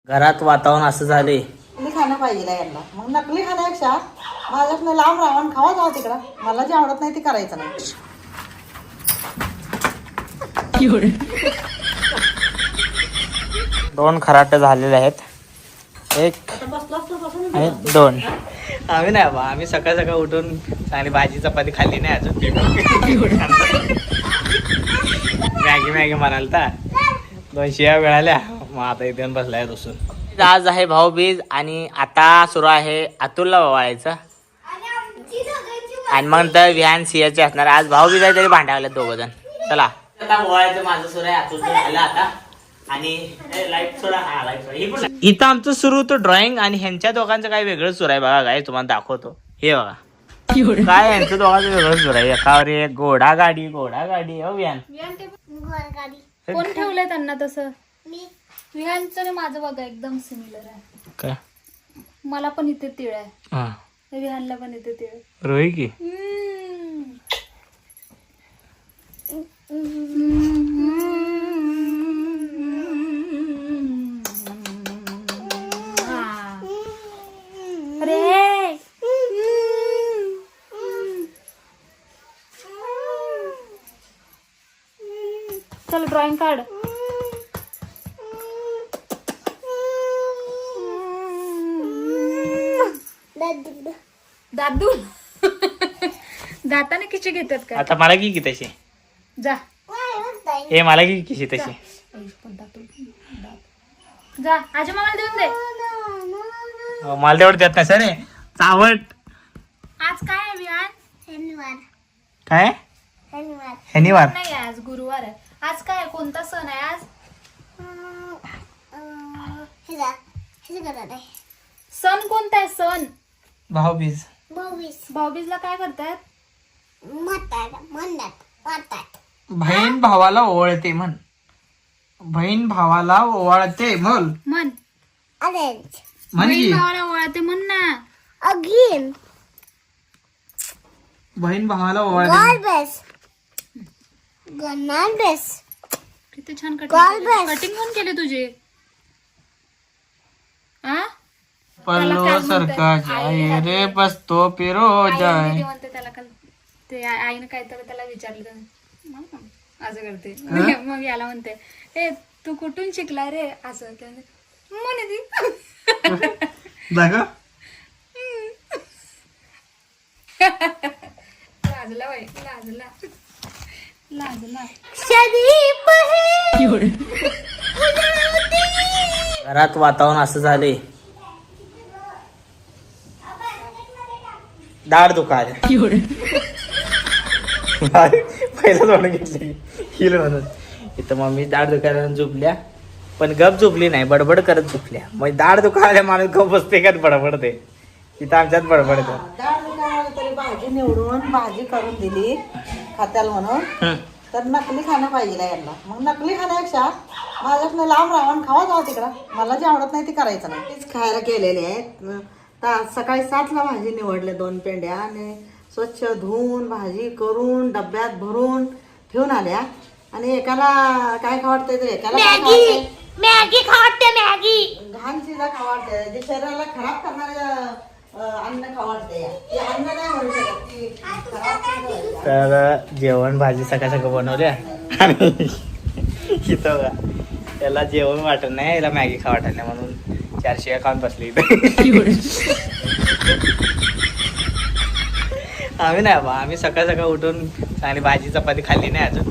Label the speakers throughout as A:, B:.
A: घरात वातावरण असं झाले.
B: नकली खाणं पाहिजे यांना. मग नकली खाण्यापेक्षा माझ्याकडनं लांब राहून खावा जावं तिकडं. मला जे आवडत नाही ते करायचं नाही.
A: दोन खराटे झालेले आहेत. एक आणि दोन. आम्ही नाही बा, आम्ही सकाळ सकाळ उठून चांगली भाजी चपाती खाल्ली नाही अजून. मॅगी म्हणाल तर 2 शिया मिळाल्या. मग आता इथे बसलाय बसून. आज आहे भाऊबीज आणि आता सुरू आहे अतुलला ओवाळायचं आणि मग तर विहान सियाचे असणार. आज भाऊबीज आहे तरी भांडावले 2 जण. चला आता ओवाळायचं माझं सुरू आहे. अतुलचं झालं आता. आणि लाईट थोडा इथं आमचं सुरू होतं ड्रॉइंग आणि ह्यांच्या दोघांचं काय वेगळं सुरू आहे बघा. काय तुम्हाला दाखवतो हे बघा. काय यांचं दोघांचं वेगळं सुरू आहे. एकावर एक घोडा गाडी हो विहान.
C: कोण ठेवलंय त्यांना तसं? विहानचं आणि माझं बघा एकदम सिमिलर आहे.
A: काय
C: मला पण इथे तिळ आहे.
A: हा
C: विहानला पण इथे तिळ.
A: रोही की
C: अरे चल ड्रॉइंग काढ. दादू दाताने किती घेतात का?
A: आता मला की तशी
C: जा
A: हे मला की किशी तशी
C: जा आजी मामाला देऊन दे.
A: मला तेवढं देत नाही सर चावट.
C: आज काय आहे विहान?
A: काय शनिवार
C: नाही आज गुरुवार आहे. आज काय आहे? कोणता सण आहे आज? सण कोणता आहे? सण
A: भाऊबीज.
C: भाऊबीजला काय करतात?
A: बहीण भावाला ओवाळते म्हण. बहीण भावाला ओवाळते म्हण.
C: म्हण
A: म्हण की
C: भावाला ओळखते म्हण ना.
A: बहीण भावाला ओवाळते.
C: किती छान कटिंग कोण केले तुझे?
A: पल्लो सरका जाय रे बसतो पिरो जाय.
C: म्हणते त्याला काल ते आईनं काहीतरी त्याला विचारलं असं करते. मग याला म्हणते ए तू कुठून शिकला रे असं म्हणे ती. लाजला बाई लाजला.
A: घरात वातावरण असं झाले. दाढ दुखायला पहिला तोंड घेतली हिल म्हणून. इथं मम्मी दाढ दुखायला झोपल्या पण गप झोपली नाही, बडबड करत झोपल्या. मग दाढ दुखायला माणूस गप बसते का बडबडते. इथं आमच्यात बडबडते.
B: डाळ दुकानाला तरी भाजी निवडून भाजी करून दिली खात्याला म्हणून. तर नकली खाणं पाहिजे यांना. मग नकली खाण्यापेक्षा माझ्याकडनं लांब राहून खावा जावं तिकडं. मला जे आवडत नाही ते करायचं नाही. तेच खायला केलेले आहेत. सकाळी 7ला भाजी निवडले 2 पेंड्या आणि स्वच्छ धुवून भाजी करून डब्यात भरून ठेवून आल्या. आणि एकाला काय खावडतंय तर एकाला
C: मॅगी खावडते. मॅगी
B: घाण चिजा खावडते. जे शरीराला खराब करणारे अन्न खावडते. ते अन्न नाही म्हणू शकत ती खराब.
A: तर जेवण भाजी सकाळ सकाळ बनवल्या आणि इथं बघा त्याला जेवण वाटत नाही, याला मॅगी खा वाटत नाही म्हणून 4 शिया खाऊन बसली इथं. आम्ही नाही बा, आम्ही सकाळ सकाळ उठून चांगली भाजी चपाती खाल्ली नाही अजून.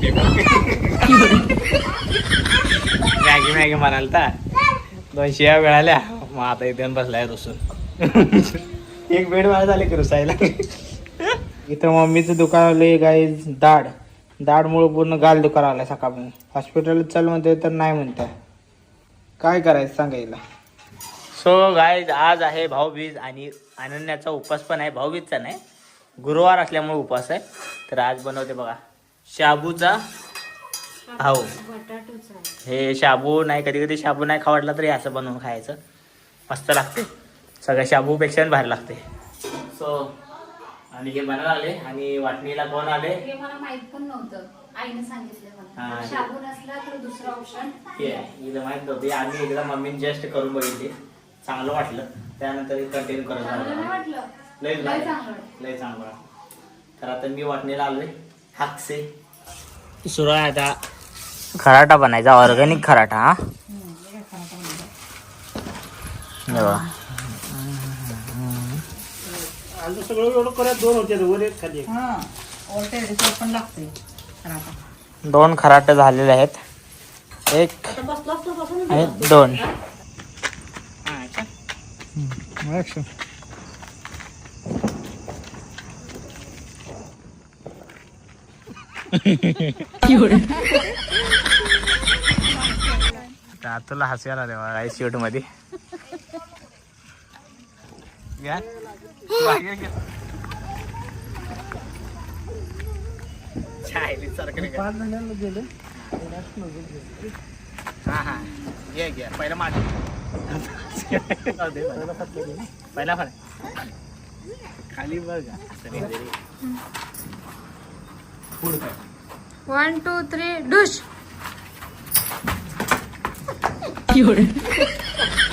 A: मॅगी म्हणाल तर 2 शिया मिळाल्या. मग आता इथे बसलाय रुसून. एक बेड वाया झाले की रुसायला. इथं मम्मीचं दुकान आलंय गाईज दाढमुळे पूर्ण गाल दुकान आलाय सकाळपासून. हॉस्पिटल चालू म्हणते तर नाही म्हणताय. काय करायचं सांगायला. सो गाईज आज आहे भाऊबीज आणि अनन्याचा उपास पण आहे. भाऊबीजचा नाही, गुरुवार असल्यामुळे उपास आहे. तर आज बनवते बघा शाबूचा भाऊ. हे शाबू नाही, कधी कधी शाबू नाही खावडला तरी असं बनवून खायचं, मस्त लागते. सगळ्या शाबूपेक्षा भारी लागते. सो आणि हे बनायला आले आणि वाटणीला कोण आले
C: हे मला माहित पण नव्हतं, आईने सांगितलं मला.
A: हा
C: शाबू नसला तर दुसरा ऑप्शन
A: हे आहे. हिला माहित नव्हती, आम्ही एकदा मम्मीने जस्ट करून बघितली, चांगलं वाटलं, त्यानंतर कंटिन्यू करत
C: चांगलं
A: राहिलो.
C: वाटलं.
A: लय
C: लय
A: चांगलं
C: चांगलं वाटलं.
A: लय चांगलं वाटलं. तर आता मी वाटणीला आलोय हाकसे सुरू आहे आता खराटा बनायचा, ऑर्गॅनिक खराटा. हा हे बघा.
D: सगळं एवढं करत 2 होते वर एक खाली एक.
B: हा ओलटे पण लागते आता
A: 2 खराटे झालेले आहेत, एक
B: बसलास तर बसून
A: आणि 2. तुला हसवायला रे मला शूट मध्ये
D: पाच जणांना गेले
A: हा घे पहिला माझ पहिला फळ खाली बघ.
C: 1 2 3 डुश.